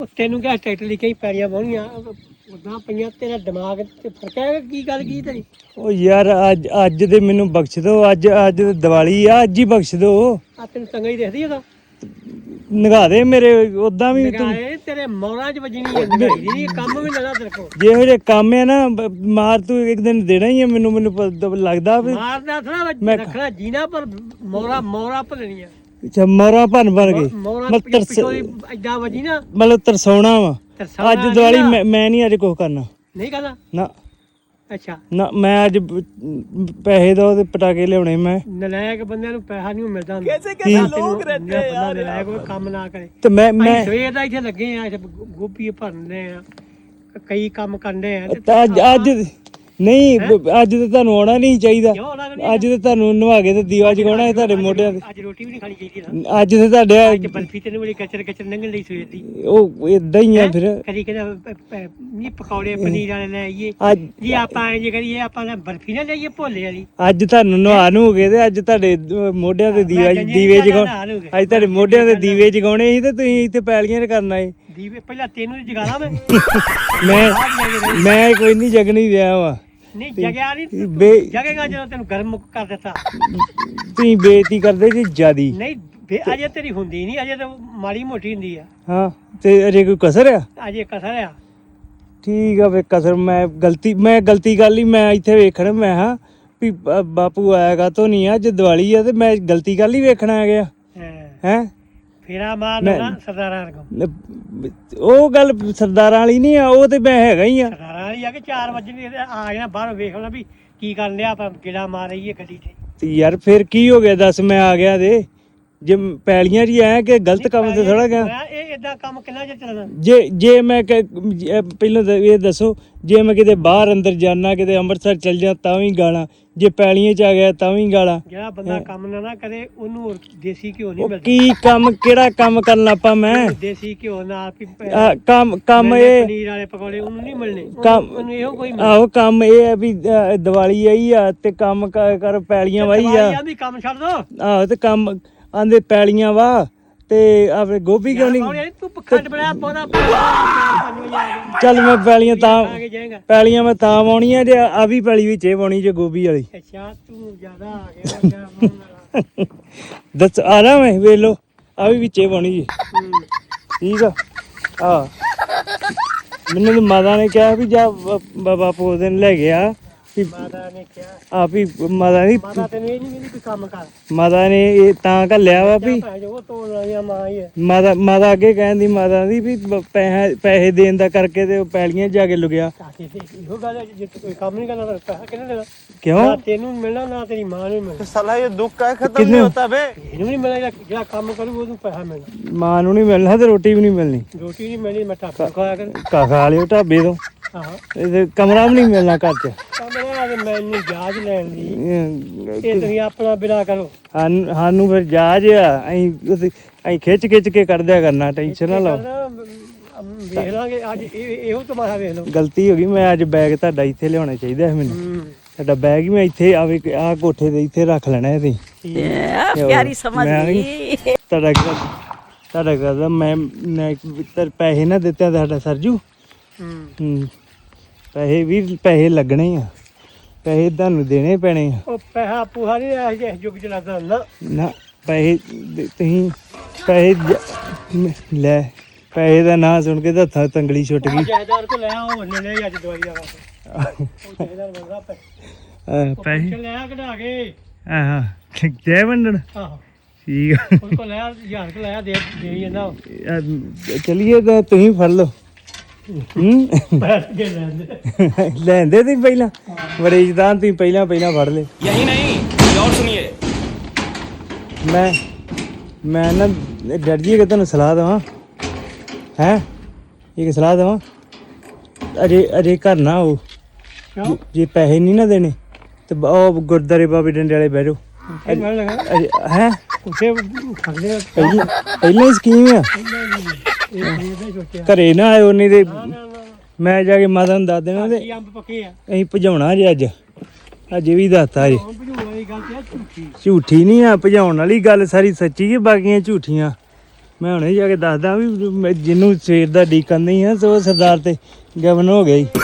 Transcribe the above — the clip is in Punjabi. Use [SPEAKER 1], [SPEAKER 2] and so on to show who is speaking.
[SPEAKER 1] ਤੈਨੂੰ ਕਿਹਾ ਟਰੈਕਟਰ ਲਈ ਕਈ ਪੈੜੀਆਂ ਵਾਹੁਣੀਆਂ ਉਦਾਂ ਪਈਆਂ ਤੇਰਾ ਦਿਮਾਗ ਤੇ ਫਰਕ ਹੈ ਕੀ ਗੱਲ ਕੀ ਤੇਰੀ
[SPEAKER 2] ਉਹ ਯਾਰ ਅੱਜ ਦੇ ਮੈਨੂੰ ਬਖਸ਼ ਦੋ ਅੱਜ ਦੀਵਾਲੀ ਆ ਅੱਜ ਹੀ ਬਖਸ਼ ਦੋ
[SPEAKER 1] ਆ ਤੈਨੂੰ ਚੰਗਾ ਹੀ ਦਿਖਦੀ ਉਹਦਾ
[SPEAKER 2] ਨਿਗਾਹ ਦੇ ਮੇਰੇ ਉਦਾਂ ਵੀ ਤੂੰ
[SPEAKER 1] ਨਗਾਏ ਤੇਰੇ ਮੌਰਾਂ 'ਚ ਵੱਜਣੀ ਹੈ ਨਗਾਈ ਦੀ ਨਹੀਂ ਕੰਮ ਵੀ ਲੱਗਾ ਤੇਰੇ ਕੋਲ
[SPEAKER 2] ਜਿਹੋ ਜਿਹੇ ਕੰਮ ਹੈ ਨਾ ਮਾਰ ਤੂੰ ਇੱਕ ਦਿਨ ਦੇਣਾ ਹੀ ਹੈ ਮੈਨੂੰ ਲੱਗਦਾ ਵੀ
[SPEAKER 1] ਮਾਰਦਾ ਥੋੜਾ ਰੱਖਣਾ ਜੀਣਾ ਪਰ ਮੌਰਾ ਭਰਨੀਆਂ
[SPEAKER 2] ਅੱਛਾ ਮੋਰਾ ਭੰਨ ਕੇ
[SPEAKER 1] ਮੌਰਾ ਪਿੱਛੋਂ ਏਦਾਂ ਵੱਜੀ ਨਾ
[SPEAKER 2] ਮਤਲਬ ਤਰਸਾਉਣਾ ਵਾ ਅੱਜ ਦੀਵਾਲੀ ਮੈਂ ਨਹੀਂ ਅੱਜ ਕੁਛ ਕਰਨਾ
[SPEAKER 1] ਨਹੀਂ ਕਰਨਾ
[SPEAKER 2] ਨਾ
[SPEAKER 1] ਅੱਛਾ
[SPEAKER 2] ਨਾ ਮੈਂ ਅੱਜ ਪੈਸੇ ਦੋ ਤੇ ਪਟਾਕੇ ਲਿਆਉਣੇ ਮੈਂ
[SPEAKER 1] ਨਲਾਇਕ ਬੰਦਿਆਂ ਨੂੰ ਪੈਸਾ ਨਹੀਂ ਮਿਲਦਾ ਕਿਸੇ ਲੋਕ ਰਹਿੰਦੇ ਯਾਰ ਨਲਾਇਕ ਕੋਈ ਕੰਮ ਨਾ ਕਰੇ
[SPEAKER 2] ਤੇ ਮੈਂ
[SPEAKER 1] ਸਵੇਰ ਦਾ ਇੱਥੇ ਲੱਗੇ ਆ ਗੋਭੀ ਭਰਨੇ ਆ ਕਈ ਕੰਮ ਕਰਨੇ ਆ
[SPEAKER 2] ਤੇ ਅੱਜ ਨਹੀਂ ਅੱਜ ਤੇ ਤੁਹਾਨੂੰ ਆਉਣਾ ਨਹੀਂ ਚਾਹੀਦਾ ਅੱਜ ਤੇ ਤੁਹਾਨੂੰ ਨਵਾ ਕੇ ਤੇ ਦੀਵਾ ਜਗਾਉਣਾ ਹੈ ਤੁਹਾਡੇ ਮੋਢਿਆਂ ਤੇ
[SPEAKER 1] ਅੱਜ ਰੋਟੀ ਵੀ ਨਹੀਂ ਖਾਣੀ ਚਾਹੀਦੀ
[SPEAKER 2] ਅੱਜ ਤੇ ਤੁਹਾਡੇ
[SPEAKER 1] ਅੱਜ ਬਰਫੀ ਤੇ ਬੜੀ ਕਚਰ ਲੰਘਣ ਲਈ ਸਵੇਰ ਦੀ
[SPEAKER 2] ਉਹ ਇਦਾਂ ਹੀ ਆ ਫਿਰ
[SPEAKER 1] ਕਦੀ ਕਹਿੰਦਾ ਨਹੀਂ ਪਕੌੜੇ ਪਨੀਰ ਵਾਲੇ ਲੈ ਆਈਏ ਜੀ ਆਪਾਂ ਐਂ ਜੇ ਕਰੀਏ ਆਪਾਂ ਬਰਫੀ ਨਾ ਲਈਏ ਭੋਲੇ ਵਾਲੀ
[SPEAKER 2] ਅੱਜ ਤੁਹਾਨੂੰ ਨਵਾ ਨੂੰ ਗਏ ਤੇ ਅੱਜ ਤੁਹਾਡੇ ਮੋਢਿਆਂ ਤੇ ਦੀਵੇ ਜਗਾਉਣੇ ਅੱਜ ਤੁਹਾਡੇ ਮੋਢਿਆਂ ਤੇ ਦੀਵੇ ਜਗਾਉਣੇ ਸੀ ਤੇ ਤੁਸੀਂ ਇੱਥੇ ਪੈਲੀਆਂ ਕਰਨਾ ਏ
[SPEAKER 1] ਦੀਵੇ ਪਹਿਲਾਂ ਤੈਨੂੰ ਜਗਾਣਾ
[SPEAKER 2] ਮੈਂ ਕੋਈ ਨਹੀਂ ਜਗਣੀ ਰਿਹਾ ਵਾ
[SPEAKER 1] ਨਹੀਂ ਜਗਿਆ ਨਹੀਂ ਜਗੇਗਾ ਜਦੋਂ ਤੈਨੂੰ ਗਰਮ ਕਰ ਦਿੱਤਾ
[SPEAKER 2] ਤੁਸੀਂ ਬੇਇੱਜ਼ਤੀ ਕਰਦੇ ਜੀ ਜਿਆਦੀ
[SPEAKER 1] ਨਹੀਂ ਅਜੇ ਤੇਰੀ ਹੁੰਦੀ ਨਹੀਂ ਅਜੇ ਤਾਂ ਮਾੜੀ ਮੋਟੀ ਹੁੰਦੀ ਆ
[SPEAKER 2] ਹਾਂ ਤੇ ਅਜੇ ਕੋਈ ਕਸਰ ਆ
[SPEAKER 1] ਅਜੇ ਕਸਰ ਆ
[SPEAKER 2] ਠੀਕ ਆ ਵੇ ਕਸਰ ਮੈਂ ਗਲਤੀ ਕਰ ਲਈ ਮੈਂ ਇੱਥੇ ਵੇਖਣ ਮੈਂ ਹਾਂ ਵੀ ਬਾਪੂ ਆਏਗਾ ਤੋਂ ਨਹੀਂ ਅੱਜ ਦੀਵਾਲੀ ਆ ਤੇ ਮੈਂ ਗਲਤੀ ਕਰ ਲਈ ਵੇਖਣ ਆ ਗਿਆ ਹੈ
[SPEAKER 1] ਫੇਰਾ ਮਾਰਨਾ ਸਰਦਾਰਾਂ ਵਰਗਾ
[SPEAKER 2] ਉਹ ਗੱਲ ਸਰਦਾਰਾਂ ਵਾਲੀ ਨਹੀਂ ਆ ਉਹ ਤੇ ਮੈਂ ਹੈਗਾ ਹੀ ਆ
[SPEAKER 1] ਸਰਦਾਰਾਂ ਵਾਲੀ ਆ ਕਿ 4 ਵਜੇ ਆ ਜਾਣਾ ਬਾਹਰ ਵੇਖ ਲੈਣਾ ਵੀ ਕੀ ਕਰਨ ਲਿਆ ਆਪਾਂ ਕਿਹੜਾ ਮਾਰ ਰਹੀਏ ਗੱਡੀ ਤੇ
[SPEAKER 2] ਯਾਰ ਫਿਰ ਕੀ ਹੋ ਗਿਆ ਦੱਸ ਮੈਂ ਆ ਗਿਆ ਦੇ ਜੇ ਪੈਲੀਆਂ ਜੀ ਆਇਆ ਕਿ ਗਲਤ ਕੰਮ ਤੇ ਥੋੜਾ ਗਿਆ
[SPEAKER 1] ਇਹ ਇਦਾਂ ਕੰਮ ਕਿੰਨਾ ਚਿਰ ਚੱਲਣਾ
[SPEAKER 2] ਜੇ ਮੈਂ ਪਹਿਲਾਂ ਇਹ ਦੱਸੋ ਜੇ ਮੈਂ ਕਿਤੇ ਬਾਹਰ ਅੰਦਰ ਜਾਣਾ ਕਿਤੇ ਅੰਮ੍ਰਿਤਸਰ ਚੱਲ ਜਾ ਤਾਂ ਵੀ ਗਾਲਾਂ ਜੇ ਪੈਲੀਆਂ 'ਚ ਆ ਗਿਆ ਤਾਂ ਵੀ ਗਾਲਾਂ
[SPEAKER 1] ਜਿਹੜਾ ਬੰਦਾ ਕੰਮ ਨਾ ਕਰੇ ਉਹਨੂੰ ਦੇਸੀ ਘਿਓ ਨਹੀਂ ਮਿਲਦਾ
[SPEAKER 2] ਕੀ ਕੰਮ ਕਿਹੜਾ ਕੰਮ ਕਰਨ ਲੱਪਾ ਮੈਂ
[SPEAKER 1] ਦੇਸੀ ਘਿਓ ਨਾਲ
[SPEAKER 2] ਕੰਮ ਇਹ
[SPEAKER 1] ਪਨੀਰ ਵਾਲੇ ਪਕੌੜੇ ਉਹਨੂੰ ਨਹੀਂ ਮਿਲਣੇ ਉਹਨੂੰ ਇਹੋ ਕੋਈ
[SPEAKER 2] ਆਹੋ ਕੰਮ ਇਹ ਹੈ ਵੀ ਦੀਵਾਲੀ ਆਈ ਆ ਤੇ ਕੰਮ ਕਰ ਪੈਲੀਆਂ ਵਾਹੀ ਆ
[SPEAKER 1] ਕੰਮ ਛੱਡ ਦੋ
[SPEAKER 2] ਆਹੋ ਤੇ ਕੰਮ ਆਂਦੇ ਪੈਲੀਆਂ ਵਾ ਤੇ ਆਪਣੇ ਗੋਭੀ ਕਿਉਂ ਨਹੀਂ
[SPEAKER 1] ਤੂੰ ਖੰਡ ਬਣਾ ਪੌਦਾ
[SPEAKER 2] ਚੱਲ ਮੈਂ ਪੈਲੀਆਂ ਮੈਂ ਤਾਂ ਵਾਉਣੀਆਂ ਜੇ ਆ ਵੀ ਪੈਲੀ ਵਿੱਚ ਇਹ ਵਾਉਣੀ ਜੇ ਗੋਭੀ ਵਾਲੀ
[SPEAKER 1] ਅੱਛਾ ਤੂੰ ਜ਼ਿਆਦਾ ਆ ਗਿਆ
[SPEAKER 2] ਦੱਸ ਆ ਰਹਾ ਮੈਂ ਵੇਖ ਲੋ ਆ ਵੀ ਵਿੱਚੇ ਵਾਉਣੀ ਜੀ ਠੀਕ ਆ ਮੈਨੂੰ ਮਾਤਾ ਨੇ ਕਿਹਾ ਵੀ ਜਾ ਬਾਬਾ ਪੋ ਦਿਨ ਲੈ ਗਿਆ
[SPEAKER 1] ਮਾਤਾ ਨੇ ਕਿਹਾ
[SPEAKER 2] ਆਪ ਹੀ ਮਾਤਾ ਦੀ
[SPEAKER 1] ਮਾਤਾ ਤੈਨੂੰ ਇਹ ਨਹੀਂ ਵੀ ਕੰਮ ਕਰ
[SPEAKER 2] ਮਾਤਾ ਨੇ ਇਹ ਤਾਂ ਘੱਲਿਆ ਵਾ ਵੀ ਮਾਤਾ ਅੱਗੇ ਕਹਿੰਦੀ ਮਾਤਾ ਦੀ ਵੀ ਪੈਸੇ ਦੇਣ ਦਾ ਕਰਕੇ ਤੇ ਪੈਲੀਆਂ ਜਾ ਕੇ ਲੁਗਿਆ
[SPEAKER 1] ਇਹੋ ਗੱਲ ਹੈ ਜੇ ਕੋਈ ਕੰਮ ਨਹੀਂ ਕਰਨਾ ਤਾਂ ਪੈਸਾ ਕਿਹਨੇ ਦੇਣਾ
[SPEAKER 2] ਕਿਉਂ
[SPEAKER 1] ਤੈਨੂੰ ਮਿਲਣਾ ਨਾ ਤੇਰੀ ਮਾਂ ਨੂੰ ਮਿਲਣਾ
[SPEAKER 2] ਸਾਲਾ ਇਹ ਦੁੱਖ ਕਾ ਖਤਮ ਨਹੀਂ ਹੁੰਦਾ ਬੇ
[SPEAKER 1] ਇਹਨੂੰ ਨਹੀਂ ਮਿਲਣਾ ਜਿਹੜਾ ਕੰਮ ਕਰੂ ਉਹਨੂੰ ਪੈਸਾ ਮਿਲਣਾ
[SPEAKER 2] ਮਾਂ ਨੂੰ ਨਹੀਂ ਮਿਲਣਾ ਤੇ ਰੋਟੀ ਵੀ ਨਹੀਂ ਮਿਲਣੀ
[SPEAKER 1] ਰੋਟੀ ਨਹੀਂ ਮਿਲਣੀ ਮੈਂ ਢਾਬਾ ਖਾਇਆ ਕਰ
[SPEAKER 2] ਖਾ ਲਿਓ ਢਾਬੇ ਤੋਂ
[SPEAKER 1] ਆਹੋ
[SPEAKER 2] ਇਹ ਕਮਰਾ ਵੀ ਨਹੀਂ ਮਿਲਣਾ ਘਰ 'ਚ
[SPEAKER 1] ਕਮਰਾ ਤੇ ਮੈਨੂੰ ਜਾਜ ਲੈਣ ਦੀ ਇਹ ਤੁਸੀਂ ਆਪਣਾ ਬਿਨਾ ਕਰੋ
[SPEAKER 2] ਸਾਨੂੰ ਫਿਰ ਜਾਜ ਆ ਅਸੀਂ ਖਿੱਚ ਕੇ ਕੱਢਦਿਆ ਕਰਨਾ ਟੈਨਸ਼ਨ ਨਾ ਲਓ
[SPEAKER 1] ਵੇਖ ਲਾਂਗੇ ਅੱਜ ਇਹੋ ਤੁਹਾਡਾ ਵੇਖ ਲਓ
[SPEAKER 2] ਗਲਤੀ ਹੋ ਗਈ ਮੈਂ ਅੱਜ ਬੈਗ ਤੁਹਾਡਾ ਇੱਥੇ ਲਿਆਉਣਾ ਚਾਹੀਦਾ ਸੀ ਮੈਨੂੰ ਤੁਹਾਡਾ ਬੈਗ ਹੀ ਮੈਂ ਇੱਥੇ ਆ ਕੋਠੇ ਦੇ ਇੱਥੇ ਰੱਖ ਲੈਣਾ ਸੀ
[SPEAKER 3] ਪਿਆਰੀ ਸਮਝ ਗਈ
[SPEAKER 2] ਤੁਹਾਡਾ ਕਰਦਾ ਮੈਂ ਪੈਸੇ ਨਾ ਦਿੱਤੇ ਤੁਹਾਡਾ ਸਰਜੂ ਪੈਸੇ ਲੱਗਣੇ ਆ ਪੈਸੇ ਤੁਹਾਨੂੰ ਦੇਣੇ ਪੈਣੇ ਆ
[SPEAKER 1] ਉਹ ਪੈਸਾ ਪੂਹਾ ਨਹੀਂ ਇਸ ਯੁੱਗ ਚ ਲੱਗਦਾ
[SPEAKER 2] ਨਾ ਪੈਸੇ ਤੁਸੀਂ ਪੈਸੇ ਲੈ ਪੈਸੇ ਦਾ ਨਾਂ ਸੁਣ ਕੇ ਤਾਂ ਹੱਥਾਂ ਤੰਗਲੀ ਛੁੱਟ ਗਈ
[SPEAKER 1] ਜਾਇਦਾਰ ਕੋ ਲੈ ਆਓ ਲੈ ਅੱਜ ਦਵਾਈ ਦਾ ਉਹ ਜਾਇਦਾਰ ਬੰਦਾ
[SPEAKER 2] ਪੈਸੇ
[SPEAKER 1] ਲੈ ਆ ਕਢਾ ਕੇ
[SPEAKER 2] ਹਾਂ ਜੈ ਵੰਡਣ
[SPEAKER 1] ਆਹੋ
[SPEAKER 2] ਠੀਕ ਆ
[SPEAKER 1] ਉਹ ਕੋ ਲੈ ਹਜ਼ਾਰ ਕੋ ਲੈ ਦੇ ਜਾਂਦਾ
[SPEAKER 2] ਚਲਿਏ ਤਾਂ ਤੁਸੀਂ ਫੜ ਲਓ ਲੈਂਦੇ ਤੁਸੀਂ ਪਹਿਲਾਂ ਬੜੇ ਇਜ਼ਦਾਨ ਤੁਸੀਂ ਪਹਿਲਾਂ ਫੜ ਲਏ
[SPEAKER 4] ਯਹੀ ਨਹੀਂ ਔਰ ਸੁਣੀਏ
[SPEAKER 2] ਮੈਂ ਨਾ ਡਰ ਜੀ ਕਿ ਤੁਹਾਨੂੰ ਸਲਾਹ ਦੇਵਾਂ ਹੈ ਇੱਕ ਸਲਾਹ ਦੇਵਾਂ ਅਜੇ ਘਰ ਨਾ ਆਓ ਜੇ ਪੈਸੇ ਨਹੀਂ ਨਾ ਦੇਣੇ ਤੇ ਉਹ ਗੁਰਦਾਰੇ ਬਾਬੇ ਡੰਡੇ ਵਾਲੇ ਬਹਿ ਜਾਓ ਹੈ ਪਹਿਲਾਂ ਹੀ ਸਕੀਮ ਆ ਘਰੇ ਨਾ ਆਇਓ ਨਹੀਂ ਤੇ ਮੈਂ ਜਾ ਕੇ ਮਾਤਾ ਨੂੰ ਦੱਸ ਦੇਣਾ ਤੇ ਅਸੀਂ ਭਜਾਉਣਾ ਜੇ ਅੱਜ ਵੀ ਦੱਸਤਾ ਜੇ ਝੂਠੀ ਨਹੀਂ ਆ ਭਜਾਉਣ ਵਾਲੀ ਗੱਲ ਸਾਰੀ ਸੱਚੀ ਕਿ ਬਾਕੀਆਂ ਝੂਠੀਆਂ ਮੈਂ ਹੁਣੇ ਜਾ ਕੇ ਦੱਸਦਾ ਵੀ ਜਿਹਨੂੰ ਸਵੇਰ ਦਾ ਡੀਕਨ ਨਹੀਂ ਆ ਤੇ ਉਹ ਸਰਦਾਰ ਤੇ ਗਵਨ ਹੋ ਗਿਆ ਜੀ।